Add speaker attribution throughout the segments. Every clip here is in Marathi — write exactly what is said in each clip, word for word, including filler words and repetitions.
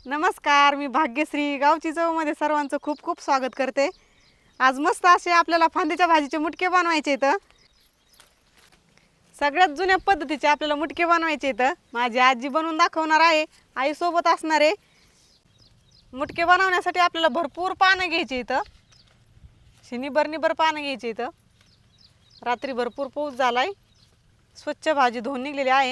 Speaker 1: नमस्कार, मी भाग्यश्री गावची चवमध्ये सर्वांचं खूप खूप स्वागत करते। आज मस्त असे आपल्याला फांदीच्या भाजीचे मुटके बनवायचे आहेत। सगळ्यात जुन्या पद्धतीचे आपल्याला मुटके बनवायचे आहेत। माझी आजी बनवून दाखवणार आहे, आई सोबत असणार आहे। मुटके बनवण्यासाठी आपल्याला भरपूर पानं घ्यायची आहेत। शिनीभर निभर पानं घ्यायची आहेत। रात्री भरपूर पाऊस झालाय, स्वच्छ भाजी धुवून निघलेली आहे।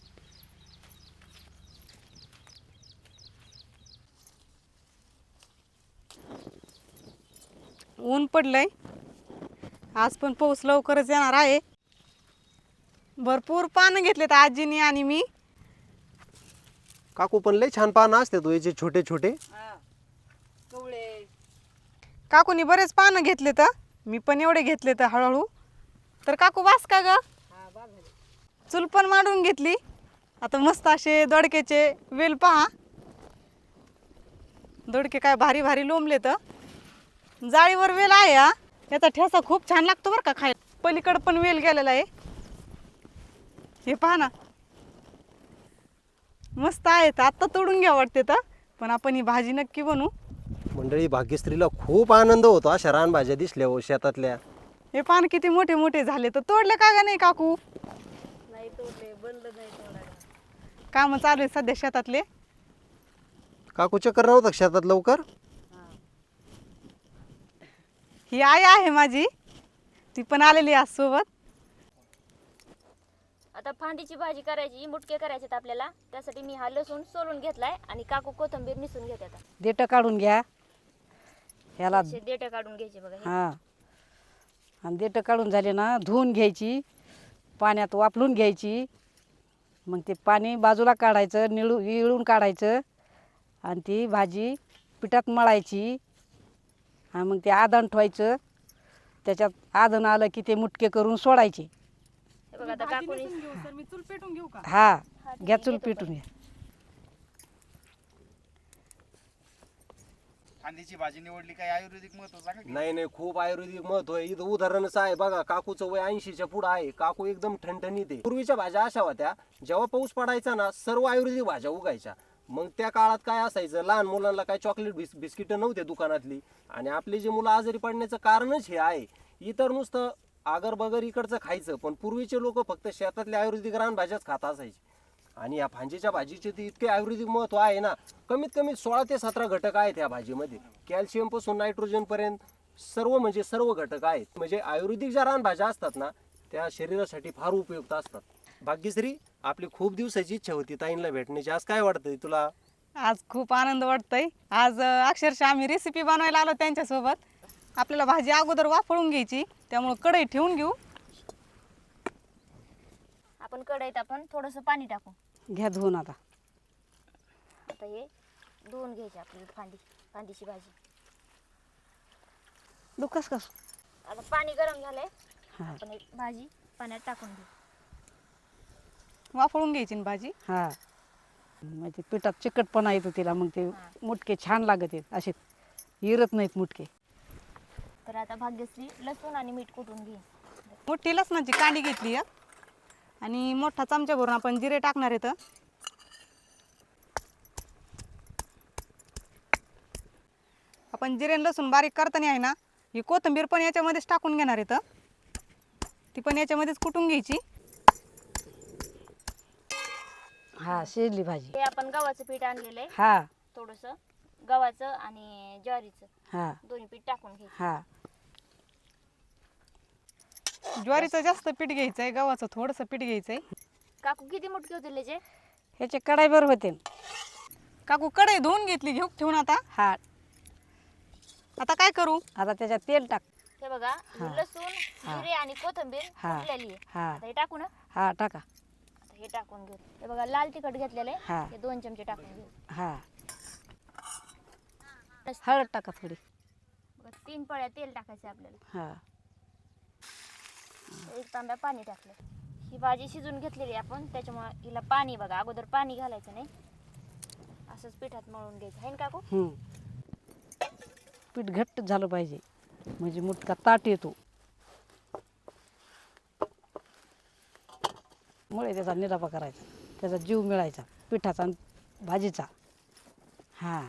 Speaker 1: ऊन पडलंय, आज पण पाऊस लवकरच येणार आहे। भरपूर पानं घेतलेत आजीनी आणि मी।
Speaker 2: काकू पण लय छान पानं असतात तो याचे छोटे छोटे।
Speaker 1: कवळे काकूनी बरेच पानं घेतलेत, मी पण एवढे घेतलेत हळूहळू। तर काकू वास का ग? चूल पण मांडून घेतली। आता मस्त असे दोडक्याचे वेल पहा, दोडके काय भारी भारी लोंबलेत। जाळीवर वेल आहे हा, याचा ठेसा खूप छान लागतो बरं का खायला। पलीकडे पण वेल गेलेला आहे, हे पहा ना, मस्त आहेत। आता तोडून घ्या वाटते तर, पण आपण ही भाजी नक्की बनवू।
Speaker 2: मंडळी, भाग्यश्रीला खूप आनंद होतो अशा रानभाज्या दिसल्या हो शेतातल्या।
Speaker 1: हे पान किती मोठे मोठे झाले, तर तोडले का ग नाही काकू?
Speaker 3: नाही तोडले, बंद नाही तोडायला।
Speaker 1: काम चालू आहे सध्या शेतातले।
Speaker 2: काकू चक्कर नव्हतं शेतात लवकर?
Speaker 1: ही आई आहे माझी, ती पण आलेली आहे सोबत।
Speaker 3: आता फांदीची भाजी करायची, मुटके करायचे आपल्याला। त्यासाठी मी हा लसूण सोलून घेतलाय आणि काकू कोथिंबीर निसून घेते। आता
Speaker 4: देठ काढून घ्या ह्याला।
Speaker 3: असे देठ काढून घ्यायचे बघा हे।
Speaker 4: हां, आणि देठ काढून झाले ना, धुवून घ्यायची, पाण्यात वाफलून घ्यायची। मग ते पाणी बाजूला काढायचं, निळू इळून काढायचं आणि ती भाजी पिठात मळायची। हा, मग ते आदण ठेवायचं, त्याच्यात आदण आलं की ते मुटके करून सोडायचे।
Speaker 3: हे बघा आता काकूनी
Speaker 1: मी चूल पेटून घेऊ का?
Speaker 4: हा,
Speaker 3: हा, ठीक
Speaker 4: घ्या
Speaker 3: आहे,
Speaker 4: चूल
Speaker 3: घेतो
Speaker 4: पेटून घ्या।
Speaker 5: फांदीची भाजी निवडली, काही आयुर्वेदिक महत्व सांगा की?
Speaker 2: नाही नाही, खूप आयुर्वेदिक महत्व आहे इथं। उदाहरणच आहे बघा, काकूचं वय ऐंशीच्या पुढं आहे, काकू एकदम ठणठणीत आहे। पूर्वीच्या भाज्या अशा होत्या, जेव्हा पाऊस पडायचा ना, सर्व आयुर्वेदिक भाज्या उगायच्या। मग त्या काळात काय असायचं, लहान मुलांना काय चॉकलेट बिस बिस्किट नव्हते दुकानातली, आणि आपली जी मुलं आजारी पडण्याचं कारणच हे आहे। इतर नुसतं आगर बगर इकडचं खायचं, पण पूर्वीचे लोक फक्त शेतातल्या आयुर्वेदिक रानभाज्याच खात असायचे। आणि या भाजीच्या भाजीचे ते इतके आयुर्वेदिक महत्व आहे ना, कमीत कमी सोळा ते सतरा घटक आहेत या भाजीमध्ये। कॅल्शियम पासून नायट्रोजन पर्यंत सर्व म्हणजे सर्व घटक आहेत। म्हणजे आयुर्वेदिक ज्या रानभाज्या असतात ना, त्या शरीरासाठी फार उपयुक्त असतात। भाग्यश्री, आपली खूप दिवसाची इच्छा होती ताईंना भेटण्याची, आज काय वाटतंय तुला?
Speaker 1: आज खूप आनंद वाटतोय। आज अ, अक्षरशः आम्ही रेसिपी बनवायला आलो त्यांच्यासोबत। आपल्याला भाजी अगोदर वाफळून घ्यायची, त्यामुळे कढई ठेवून घेऊ।
Speaker 3: आपण कढईत आपण थोडंसं पाणी टाकू।
Speaker 4: घ्या धुवून आता।
Speaker 3: आता हे धुवून घ्यायची आपली फांदी फांदीची भाजी।
Speaker 4: दुखस कस?
Speaker 3: आता पाणी गरम झालंय,
Speaker 4: हा
Speaker 3: आपण एक भाजी पाण्यात टाकून घेऊ।
Speaker 1: वाफळून घ्यायची ना भाजी।
Speaker 4: हा, मग ते पिठात चिकटपणा येतो तिला, मग ते
Speaker 3: हा.
Speaker 4: मुटके छान लागत आहेत, असे इरत नाहीत मुटके।
Speaker 3: तर आता भाग्यश्री लसूण आणि मीठ कुटून घे।
Speaker 1: मोठी लसणाची कांडी घेतली आहे, आणि मोठा चमचा भरून आपण जिरे टाकणार आहेत। आपण जिरे आणि लसूण बारीक करताना आहे ना, ही कोथिंबीर पण याच्यामध्येच टाकून घेणार आहेत, ती पण याच्यामध्येच कुटून घ्यायची।
Speaker 4: हा, शिजली भाजी।
Speaker 3: हे आपण गव्हाचं पीठ आणलेलं आहे,
Speaker 4: हा
Speaker 3: थोडंसं गव्हाचं आणि ज्वारीचं
Speaker 4: हा
Speaker 3: दोन्ही पीठ टाकून घ्यायचं।
Speaker 4: हा,
Speaker 1: ज्वारीचं जास्त पीठ घ्यायचंय, गव्हाचं थोडंसं पीठ घ्यायचंय।
Speaker 3: काकू किती मुटके होतील त्याचे?
Speaker 4: ह्याचे कढाईभर होते।
Speaker 1: काकू कढई धुवून घेतली, घेऊ ठेवून आता।
Speaker 4: हा,
Speaker 1: आता काय करू?
Speaker 4: आता त्याच्यात तेल टाक।
Speaker 3: हे बघा,
Speaker 4: हा.
Speaker 3: हे लसूण,
Speaker 4: हा.
Speaker 3: जिरे आणि कोथिंबीर
Speaker 4: हा.
Speaker 3: कुटलेली आहे।
Speaker 4: हा.
Speaker 3: आता हे टाकू ना?
Speaker 4: हा टाका।
Speaker 3: आता हे टाकून घेऊ। हे बघा, लाल तिखट घेतलेलं
Speaker 4: हा.
Speaker 3: आहे, हे दोन चमचे टाकून घेऊ।
Speaker 4: हा, हळद टाका थोडी।
Speaker 3: बघा, तीन पळ्या तेल टाकायचं आपल्याला।
Speaker 4: हा,
Speaker 3: एक तांब्या पाणी टाकलं। ही भाजी शिजून घेतलेली आहे आपण, त्याच्यामुळे हिला पाणी बघा, अगोदर पाणी घालायचं नाही, असंच पिठात मळून घ्यायचं आहे ना काकू?
Speaker 4: हम्म, पीठ घट्ट झालं पाहिजे, म्हणजे मुटका ताट येतो। मुळे त्याचा निरापा करायचा, त्याचा जीव मिळायचा पिठाचा आणि भाजीचा। हां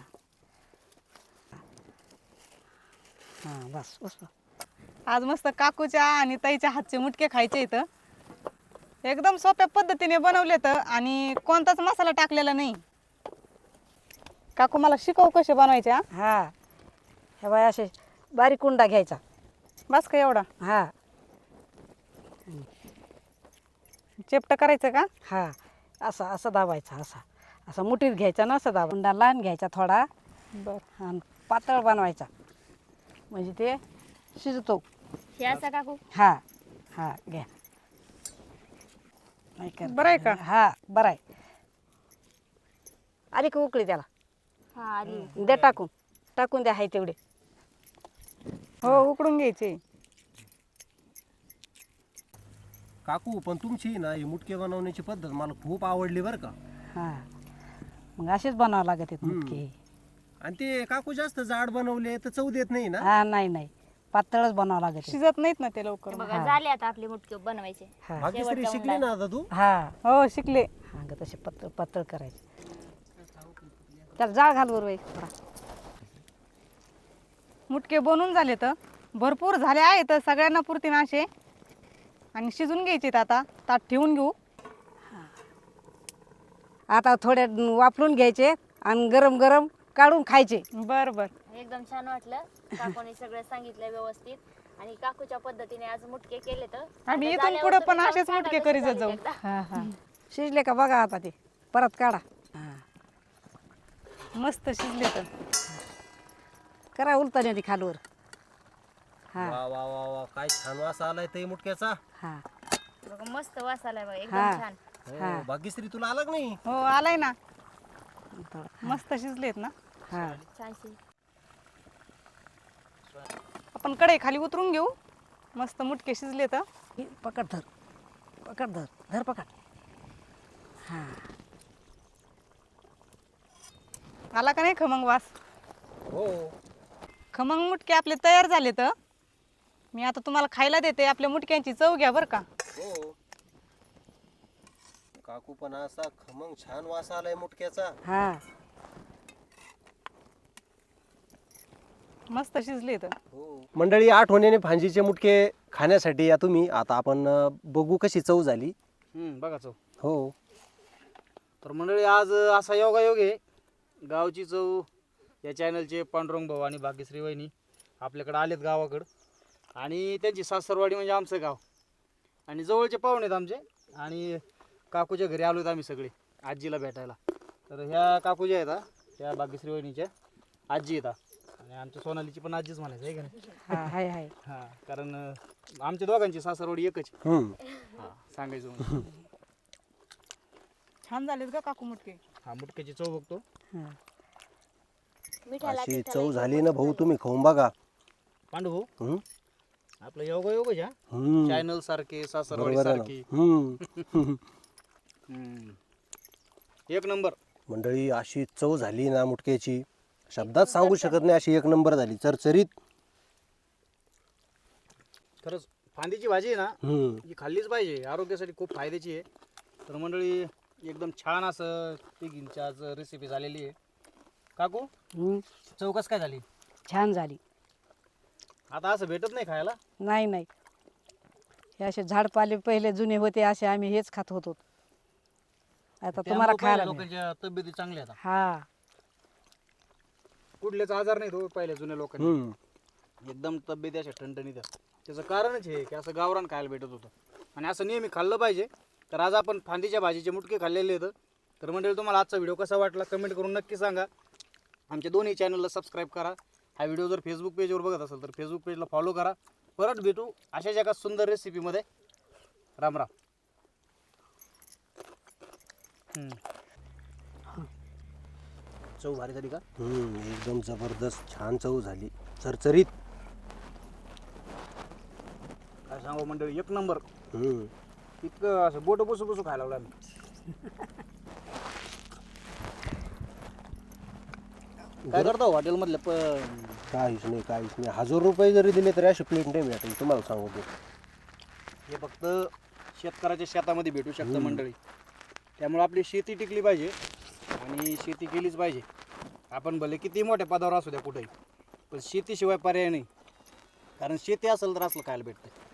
Speaker 4: हां बस बस बस.
Speaker 1: आज मस्त काकूच्या आणि ताईच्या हातचे मुटके खायचे इथं. एकदम सोप्या पद्धतीने बनवलेत आणि कोणताच मसाला टाकलेला नाही. काकू मला शिकव कसे बनवायचे हा?
Speaker 4: हां हे बाय असे बारीक कुंडा घ्यायचा.
Speaker 1: बस का एवढा
Speaker 4: हां
Speaker 1: चेपट करायचं का?
Speaker 4: हां असा असं दाबायचा असा असा मुठीत घ्यायचा ना असं दाबा. कुंडा लहान घ्यायचा थोडा
Speaker 1: बर
Speaker 4: आणि पातळ बनवायचा म्हणजे ते शिजतो.
Speaker 3: हे असं काकू
Speaker 4: हां हां घ्या. नाही कर
Speaker 1: बरं आहे का?
Speaker 4: हां बरं आहे. आली का उकळी त्याला
Speaker 3: हा आली
Speaker 4: द्या टाकून टाकून द्या हाय तेवढे.
Speaker 1: हो उकडून घ्यायचे.
Speaker 2: काकू पण तुमची ना ही मुटके बनवण्याची पद्धत मला खूप आवडली बरं का.
Speaker 4: हां मग असेच बनावं लागत आहेत
Speaker 2: हम्म.
Speaker 4: मुटके.
Speaker 2: आणि ते काकू जास्त जाड बनवले तर चव देत नाही ना.
Speaker 4: हां नाही नाही पातळच बनावं लागत आहे.
Speaker 1: शिजत नाहीत ना ते लवकर.
Speaker 3: बघा झाले आता आपले मुटके बनवायचे.
Speaker 4: हां
Speaker 2: भाग्यश्री
Speaker 3: शेवटचा
Speaker 2: शिकली ना आता तू.
Speaker 4: हां
Speaker 1: हो शिकले.
Speaker 4: हां ग तसे पातळ पातळ करायचे. त्याला जाळ घाल बरोबर थोडा.
Speaker 1: मुटके बनवून झाले तर भरपूर झाले आहेत सगळ्यांना पुरतील असे आणि शिजून घ्यायचे आता. ताट ठेवून घेऊ.
Speaker 4: आता थोड्या वापरून घ्यायचे आणि गरम गरम काढून खायचे.
Speaker 1: बर बर
Speaker 3: एकदम छान वाटलं. काकूने सगळं सांगितलं व्यवस्थित आणि काकूच्या पद्धतीने आज मुटके केले तर
Speaker 1: आम्ही
Speaker 3: आता
Speaker 1: इथून
Speaker 3: झाल्यावर
Speaker 1: पुढे
Speaker 3: तुम्ही
Speaker 1: पण
Speaker 3: जाऊन
Speaker 1: असेच
Speaker 3: सांगा
Speaker 1: मुटके
Speaker 3: कसे
Speaker 1: करीत
Speaker 3: झाले
Speaker 1: जाऊ.
Speaker 3: एकदा.
Speaker 4: हां हां शिजले का बघा आता ते परत काढा. हां
Speaker 1: मस्त शिजले तर.
Speaker 4: करा उलताने खालवर. हां
Speaker 2: वा वा वा वा काय छान वास आलाय ते मुटक्याचा.
Speaker 4: हां
Speaker 3: बघा मस्त वास आलाय बघा
Speaker 4: हा.
Speaker 3: एकदम छान.
Speaker 2: हो, भाग्यश्री तुला आला का नाही.
Speaker 1: हो आलाय ना.
Speaker 4: थोडं
Speaker 1: मस्त शिजलेत ना.
Speaker 4: हां
Speaker 3: छान शिज
Speaker 1: आपण कढई खाली उतरून घेऊ. मस्त मुटके शिजले तर.
Speaker 4: हे पकड धर पकड धर धर पकड. हां
Speaker 1: आला का नाही खमंग वास?
Speaker 2: हो
Speaker 1: खमंग मुटके आपले तयार झाले तर मी आता तुम्हाला खायला देते. आपल्या मुटक्यांची चव घ्या बरं का.
Speaker 2: हो काकू पण असा खमंग छान वास आलाय मुटक्याचा.
Speaker 4: हां
Speaker 1: मस्त शिजले तर.
Speaker 2: हो मंडळी आठवणीने भांजीचे मुटके खाण्यासाठी या तुम्ही. आता आपण अं, बघू कशी चव झाली.
Speaker 5: हम्म, बघा चव.
Speaker 2: हो
Speaker 5: तर मंडळी आज असा योगायोग आहे. गावची चव या चॅनलचे पांडुरंग भाऊ आणि भाग्यश्री वहिनी आपल्याकडे आलेत गावाकडं आणि त्यांची सासरवाडी म्हणजे आमचं गाव आणि जवळचे पाहुणे आहेत आमचे. आणि काकूच्या घरी आलो आम्ही सगळे आजीला भेटायला. तर ह्या काकू ज्या आहेत हा, त्या भाग्यश्री वहिनीच्या आजी येतात आणि आमच्या सोनालीची पण आजीच म्हणायचं आहे का नाही.
Speaker 4: हां हाय हाय
Speaker 5: हां कारण अं, आमच्या दोघांची सासरवाडी एकच आहे.
Speaker 2: हम्म.
Speaker 5: हां सांगायचं म्हणजे.
Speaker 1: छान झालेत का काकू मुटके?
Speaker 5: हा मुटक्याची चव बघतो.
Speaker 4: हां
Speaker 3: मिठाला
Speaker 2: अशी
Speaker 3: तिखाला
Speaker 2: चव
Speaker 3: एकदम
Speaker 2: झाली ना
Speaker 3: मस्त
Speaker 2: भाऊ
Speaker 3: झालं.
Speaker 2: तुम्ही खाऊन बघा.
Speaker 5: पांडू भाऊ
Speaker 2: हम्म?
Speaker 5: आपलं योगायोग आहे हा.
Speaker 2: हम्म.
Speaker 5: चॅनल सारखे सासरवाडी
Speaker 2: बरोबर आहे ना.
Speaker 5: सारखी.
Speaker 2: हम्म.
Speaker 5: हम्म. एक नंबर.
Speaker 2: मंडळी अशी चव झाली ना मुटक्याची शब्दात सांगू शकत नाही. अशी एक नंबर झाली चरचरीत.
Speaker 5: खरंच फांदीची भाजी आहे ना
Speaker 2: हम्म.
Speaker 5: ही खाल्लीच पाहिजे. आरोग्यासाठी खूप फायद्याची आहे. तर मंडळी एकदम छान असं तिघींची आज रेसिपी झालेली आहे. काकू
Speaker 4: हं,
Speaker 5: चव कसं काय झाली?
Speaker 4: छान झाली.
Speaker 5: आता असं भेटत नाही खायला.
Speaker 4: नाही नाही हे असे झाडपाले पहिले जुने होते असे आम्ही हेच खात होतो. आता तुम्हाला
Speaker 5: त्यामुळं
Speaker 4: खायला
Speaker 5: पहिल्या
Speaker 4: मिळेल.
Speaker 5: लोकांच्या तब्येती चांगल्या आहेत.
Speaker 4: हां
Speaker 5: कुठलेच आजार नाही तो पहिल्या जुन्या लोकांनी.
Speaker 2: हम्म.
Speaker 5: एकदम तब्येती अशा ठणठणीत आहेत. त्याचं कारणच हे की असं गावरान खायला भेटत होतं आणि असं नेहमी खाल्लं पाहिजे. तर आज आपण फांदीच्या भाजीचे मुटके खाल्लेले आहेत. तर मंडळी तुम्हाला आजचा व्हिडिओ कसा वाटला कमेंट करून नक्की सांगा. आमच्या दोन्ही चॅनलला सबस्क्राईब करा. हा व्हिडिओ जर फेसबुक पेजवर बघत असेल तर फेसबुक पेजला फॉलो करा. परत भेटू अशाच एका सुंदर रेसिपीमध्ये. राम राम. हम्म. चव भारी झाली का?
Speaker 2: हम्म. एकदम जबरदस्त छान चव झाली चरचरीत.
Speaker 5: काय सांगू मंडळी एक नंबर.
Speaker 2: हम्म.
Speaker 5: इतकं असं बोट बसू बसू खायला लागलो आम्ही. काय करता हॉटेलमधल्या प
Speaker 2: काहीच नाही काहीच नाही. हजार रुपये जरी दिले तरी अशी प्लेट नाही भेटेल तुम्हाला सांगतो.
Speaker 5: हे फक्त शेतकऱ्याच्या शेतामध्ये भेटू शकतं मंडळी. त्यामुळे आपली शेती टिकली पाहिजे आणि शेती केलीच पाहिजे. आपण भले किती मोठ्या पदावर असू द्या कुठेही, पण शेतीशिवाय पर्याय नाही. कारण शेती असेल तर असलं खायला भेटतं.